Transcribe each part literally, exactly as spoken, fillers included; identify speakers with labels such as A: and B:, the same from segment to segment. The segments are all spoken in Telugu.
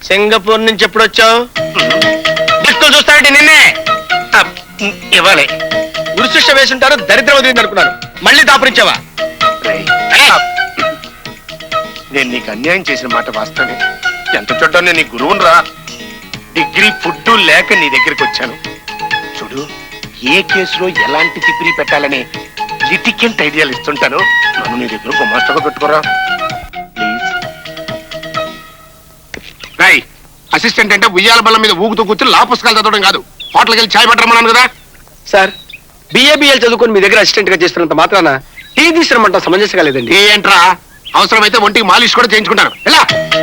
A: సింగపూర్ నుంచి ఎప్పుడు వచ్చావు? దిక్కులు చూస్తానంటే నిన్నే ఇవ్వాలి. ఉరిశిక్ష వేసుంటారు, దరిద్రం వదిలింది అనుకున్నాను. మళ్ళీ దాపురించావా?
B: నేను నీకు అన్యాయం చేసిన మాట వాస్తవే. ఎంత చూడ్డా నేను నీ గురువును రా. డిగ్రీ ఫుడ్ లేక నీ దగ్గరికి వచ్చాను. చూడు, ఏ కేసులో ఎలాంటి తిప్పిరి పెట్టాలని లిటికెంట్ ఐడియాలు ఇస్తుంటాను. నన్ను నీ దగ్గర గుమాస్తగా పెట్టుకోరా ప్లీజ్. రాయ్, అసిస్టెంట్ అంటే ఉయ్యాల బల్ల మీద ఊగుతూ కూర్చుని లా పుస్తకాలు చదవడం కాదు, హోటల్కి వెళ్ళి ఛాయ్ పెట్టరమన్నాను కదా.
A: సార్, బిఏబిఎల్ చదువుకొని మీ దగ్గర అసిస్టెంట్ గా చేస్తున్నంత మాత్రాన టీ తీసుకురమంట సమంజసంగా లేదండి.
B: ఏంట్రా, అవసరమైతే ఒంటికి మాలిష్ కూడా చేయించుకుంటాను. ఎలా?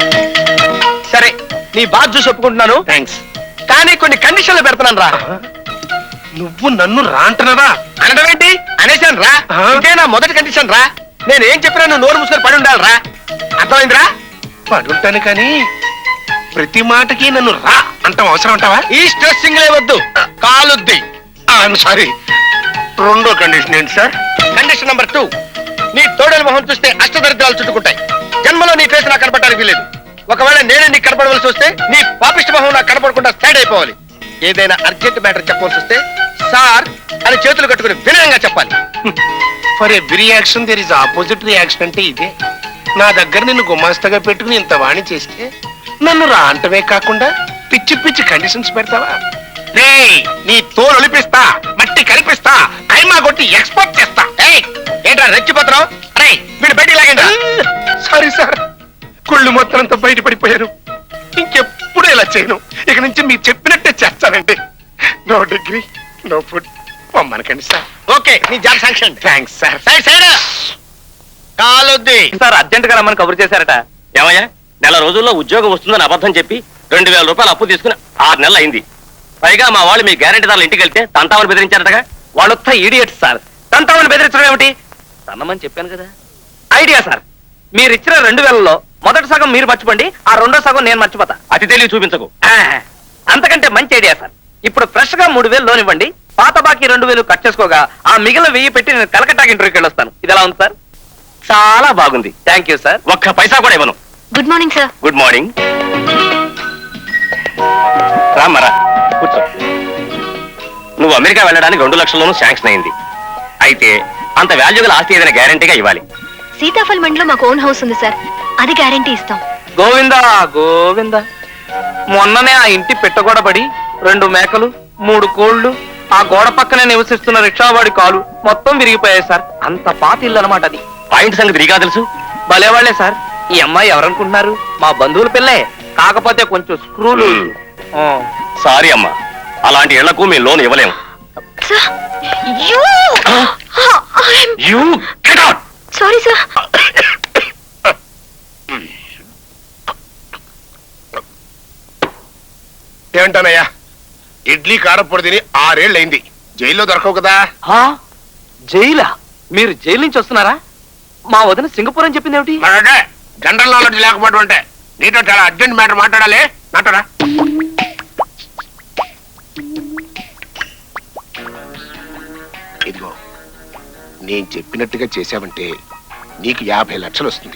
A: సరే, నీ బాధ చూసి ఒప్పుకుంటున్నాను.
B: థ్యాంక్స్.
A: కానీ కొన్ని కండిషన్లు పెడతాను రా.
B: నువ్వు నన్ను రా అంటున్నారా?
A: అనడం ఏంటి? అనేసాను రా. ఇదే నా మొదటి కండిషన్ రా. నేను ఏం చెప్పినా నువ్వు నోరు మూసుకొని పడి ఉండాలి రా. అర్థమైందిరా?
B: పడుంటాను కానీ ప్రతి మాటకి నన్ను రా అంటాం అవసరం అంటావా?
A: ఈ స్ట్రెస్సింగ్ వద్దు, కాలుద్ది.
B: సారీ. రెండో కండిషన్ ఏంటి సార్?
A: కండిషన్ నెంబర్ టూ, నీ తోడల మొహం చూస్తే అష్టదరిద్రాలు చుట్టుకుంటాయి. జన్మలో నీ ఫేస్ నాకు కనపడడానికి వీలేదు. ఒకవేళ నేనే నీకు కనపడవలసి వస్తే నీ పాపిష్టి మొహం నాకు కనపడకుండా స్టాండ్ అయిపోవాలి. ఏదైనా అర్జెంట్ మ్యాటర్ చెప్పవలసి వస్తే సార్ అని చేతులు కట్టుకుని వినయంగా చెప్పాలి.
B: For every reaction there is opposite reaction అంటే ఇదే. నా దగ్గర నిన్ను గుమాస్తగా పెట్టుకుని ఇంత వాణి చేస్తే నన్ను రా అంటవే కాకుండా పిచ్చి పిచ్చి కండిషన్స్ పెడతావా? రే, నీ తోలు ఒలిపిస్తా, మట్టి కనిపిస్తా, కైమా కొట్టి ఎక్స్పోర్ట్ చేస్తా.
A: ఏంట్రా రెచ్చిపోతున్నావు? అరే వీడు బయటికి లాగండి.
B: సారీ సార్, కుళ్ళు మొత్తం అంతా బయటపడిపోయాను. ఇంకెప్పుడు ఇలా చేయను. ఇక నుంచి మీరు చెప్పినట్టే చేస్తానండి. No degree, no food. పొమ్మనకండి సార్.
A: ఓకే, నీ job sanction.
B: Thanks sir.
A: Side side కాలొద్ది.
C: సార్ అర్జెంట్ గా రమ్మని కబురు చేశారట. ఏమయ్యా, నెల రోజుల్లో ఉద్యోగం వస్తుందని అబద్ధం చెప్పి రెండు వేల రూపాయలు అప్పు తీసుకుని ఆరు నెలలు అయింది. పైగా మా వాళ్ళు మీ గ్యారెంటీదారులు ఇంటికి వెళ్తే తంతామని బెదిరించారటగా. వాళ్ళొత్త ఈడియట్స్ సార్. తంతామని బెదిరించడం ఏమిటి? తన్నమని చెప్పాను కదా. ఐడియా సార్, మీరు ఇచ్చిన రెండు వేలలో మొదటి సగం మీరు మర్చిపోండి, ఆ రెండో సగం నేను మర్చిపోతా. అతి తెలివి చూపించకు. అంతకంటే మంచి ఐడియా సార్. ఇప్పుడు ఫ్రెష్ గా మూడు వేలు లోన్ ఇవ్వండి, పాత బాకీ రెండు వేలు కట్ చేసుకోగా ఆ మిగిలిన వెయ్యి పెట్టి నేను కలకట్టాకి ఇంటర్వ్యూకి వెళ్ళొస్తాను. ఇది ఎలా ఉంది సార్? చాలా బాగుంది. Thank you sir. ఒక్క పైసా కూడా ఇవ్వను.
D: Good morning sir.
C: Good morning. రామరా కూర్చో. నువ్వు అమెరికా వెళ్ళడానికి రెండు లక్షల్లోనూ శాంక్షన్ అయింది. అయితే అంత వాల్యూగల ఆస్తి ఏదైనా గ్యారంటీగా ఇవ్వాలి.
D: సీతాఫల్ మండిలో మాకు ఓన్ హౌస్ ఉంది సార్, అది గ్యారంటీ ఇస్తాం.
C: గోవిందా గోవిందా, మొన్ననే ఆ ఇంటి పెట్టగొడబడి రెండు మేకలు మూడు కోళ్లు ఆ గోడ పక్కనే నివసిస్తున్న రిక్షావాడి కాలు మొత్తం విరిగిపోయాయి సార్. అంత పాత ఇల్లు అనమాట అది. పాయింట్ సంగతి నీకా తెలుసు? భలేవాళ్లే సార్. ఈ అమ్మాయి ఎవరనుకుంటున్నారు? మా బంధువుల పిల్లే, కాకపోతే కొంచెం స్క్రూలు. సారీ అమ్మా, అలాంటి ఇళ్లకు మేము లోన్ ఇవ్వలేము.
D: Sorry sir.
B: ఏమంటానయ్యా, ఇడ్లీ కారపొడి తిని ఆరేళ్ళయింది. జైల్లో దొరకవు కదా.
C: జైలా? మీరు జైలు నుంచి వస్తున్నారా? మా వదిన సింగపూర్ అని చెప్పింది ఏమిటి?
B: మరంటే జనరల్ నాలెడ్జ్ లేకపోవడం అంటే. నీతో చాలా అర్జెంట్ మ్యాటర్ మాట్లాడాలి. నాటరా? ఇదిగో, నేను చెప్పినట్టుగా చేశావంటే నీకు యాభై లక్షలు వస్తుంది.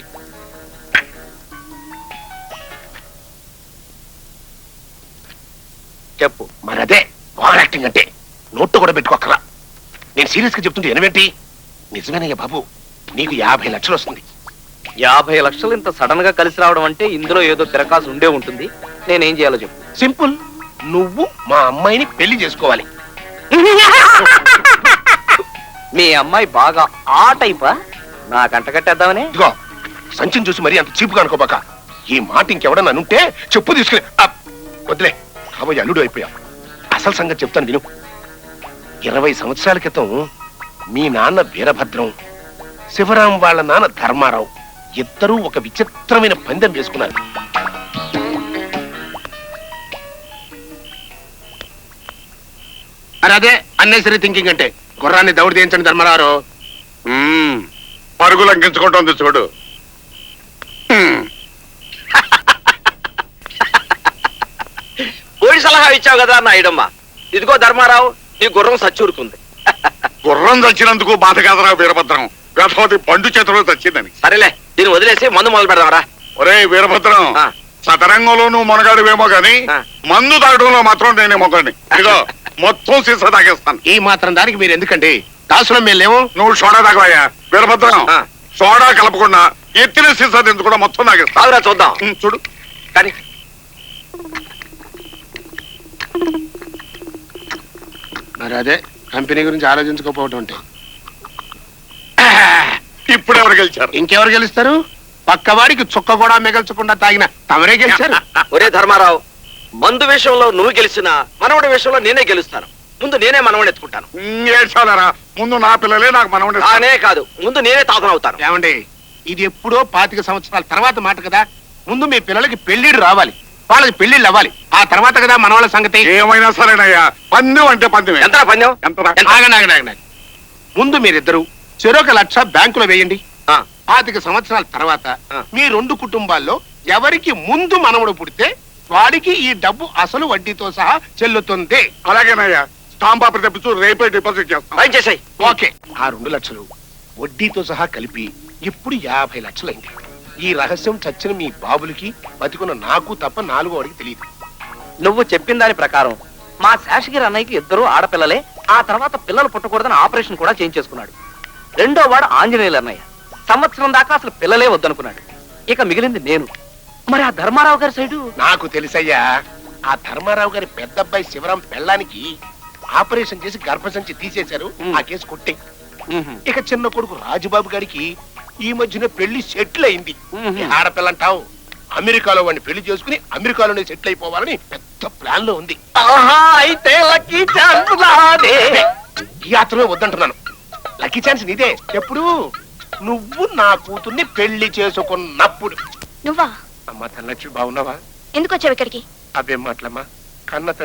C: చెప్పు.
B: మరదే ఓవర్ యాక్టింగ్ అంటే. నోట్టు కూడా పెట్టుకోకరా. నేను సీరియస్ గా చెప్తుంటే ఎనవేంటి? నిజమేనయ్య బాబు, నీకు యాభై లక్షలు వస్తుంది.
C: యాభై లక్షలు ఇంత సడన్ గా కలిసి రావడం అంటే ఇందులో ఏదో తిరకాసు ఉండే ఉంటుంది. నేనేం చేయాలో చెప్పు.
B: సింపుల్. నువ్వు మా అమ్మాయిని పెళ్లి చేసుకోవాలి.
C: మీ అమ్మాయి బాగా ఆ టైపా? నా కంట కట్టేద్దామని.
B: ఇదిగో, సంచిని చూసి మరీ అంత చీపుగా అనుకోబాక. ఈ మాట ఇంకెవడన్నా అనుంటే చెప్పు తీసుకుని వదిలే. కాబోయే అల్లుడు అయిపోయా. అసలు సంగతి చెప్తాను విను. ఇరవై సంవత్సరాల క్రితం మీ నాన్న వీరభద్రం, శివరాం వాళ్ళ నాన్న ధర్మారావు ఇద్దరూ ఒక విచిత్రమైన పందెం వేసుకున్నారు. అదే అన్నెసరీ థింకింగ్ అంటే. గుర్రాన్ని దౌడు తీయించండి ధర్మరావు.
E: పరుగులు అంకించుకోవటం చూడు.
C: పోయి సలహా ఇచ్చావు కదా నాయుడమ్మ. ఇదిగో ధర్మారావు, నీ గుర్రం సచ్చూరుకుంది.
E: గుర్రం చచ్చినందుకు బాధ కాదరా వీరభద్రం. గతవతి పండు చేతిలో చచ్చిందని.
C: సరేలే, దీన్ని వదిలేసి మందు మొదలు పెడదామరా.
E: ఒరే వీరభద్రం, చదరంగంలో నువ్వు మునగాడువేమో గాని
C: ఆ.
E: మందు తాగడంలో మాత్రం నేనే మొగండి ఇదిగో మొత్తం సీసా తాగేస్తాను
B: ఈ మాత్రం దానికి మీరు ఎందుకండి దాసులం మేము లేవు.
E: నువ్వు సోడా తాగవయ్యా వీరభద్రం
C: ఆ.
E: సోడా కలపకుండా ఎత్తిన సీసా దించకుండా మొత్తం తాగేస్తా
C: బాగురా చూద్దాం
E: ఉమ్, చూడు
C: కానీ
B: మరి అదే కంపెనీ గురించి ఆలోచించుకోకపోవటం అంటే.
E: ఇప్పుడు ఎవరు గెలిచారు
B: ఇంకెవరు గెలుస్తారు? పక్కవాడికి చుక్క కూడా మిగల్చకుండా తాగిన తమరే గెలిచారు.
C: ఒరే ధర్మారావు, మందు విషయంలో నువ్వు గెలిచినా మనవడి విషయంలో నేనే గెలుస్తాను. ముందు నేనే మనవడిని ఎత్తుకుంటాను.
E: ఉమ్, ఏడ్చాలరా ముందు నా పిల్లలే నాకు మనవడే
C: కానే కాదు, ముందు నేనే తాతనవుతాను.
B: ఏమండి ఇది ఎప్పుడో పాతిక సంవత్సరాల తర్వాత మాట కదా. ముందు మీ పిల్లలకి పెళ్లిళ్ళు రావాలి, వాళ్ళకి పెళ్లిళ్ళు అవ్వాలి, ఆ తర్వాత కదా మన వాళ్ళ సంగతి.
E: ఏమైనా సరేనయ్యా పందెం అంటే పందెమే
C: ఎంత పందెం?
E: ఎంతరా?
C: ఎంత?
B: ఆగండి, ఆగండి, ఆగండి. ముందు మీరిద్దరు చెరొక లక్ష బ్యాంకులో వేయండి.
C: ఆ,
B: పాతిక సంవత్సరాల తర్వాత
C: ఆ.
B: మీ రెండు కుటుంబాల్లో ఎవరికి ముందు మనవడు పుడితే వాడికి ఈ డబ్బు అసలు వడ్డీతో సహా చెల్లుతుంది.
E: అలాగేనయ్యా స్టాంప్ పేపర్ తెప్పించు రేపే డిపాజిట్ చేస్తాం
C: పని చేసాయి.
B: ఓకే. ఆ రెండు లక్షలు వడ్డీతో సహా కలిపి ఇప్పుడు యాభై లక్షలైంది. ఈ రహస్యం చచ్చిన మీ బాబులకి బతికున్న నాకు తప్ప నాలుగో వాడికి తెలియదు.
F: నువ్వు చెప్పిన దాని ప్రకారం మా శేషగిరి అన్నయ్యకి ఇద్దరు ఆడపిల్లలే. ఆ తర్వాత పిల్లలు పుట్టకూడదని ఆపరేషన్ కూడా చేయించేసుకున్నాడు. రెండో వాడు ఆంజనేయులు అన్నయ్య. సంవత్సరం దాకా అసలు పిల్లలే వద్దనుకున్నాడు. ఇక మిగిలింది నేను. మరి ఆ ధర్మారావు గారి సైడు
B: నాకు తెలుసయ్యా. ఆ ధర్మారావు గారి పెద్ద అబ్బాయి శివరాం పెళ్ళానికి ఆపరేషన్ చేసి గర్భసంచి తీసేశారు. ఆ కేసు కొట్టే. ఇక చిన్న కొడుకు రాజుబాబు గారికి ఈ మధ్యన పెళ్లి సెటిల్ అయింది. ఈ ఆడపిల్లంటావు అమెరికాలో వాడిని పెళ్లి చేసుకుని అమెరికాలోనే సెటిల్ అయిపోవాలని పెద్ద ప్లాన్ లో ఉంది.
F: ఆహా, అయితే లక్కీ ఛాన్స్ నాదే.
B: ఈ యాత్రలో వద్దంటున్నాను. లక్కీ ఛాన్స్ నీదే. ఎప్పుడు? నువ్వు నా కూతుర్ని పెళ్లి చేసుకున్నప్పుడు.
D: నువ్వా?
B: అమ్మా తనలక్ష్మి బాగున్నావా?
D: ఎందుకు వచ్చావు ఇక్కడికి?
B: అవేం మాటలమ్మా. కన్న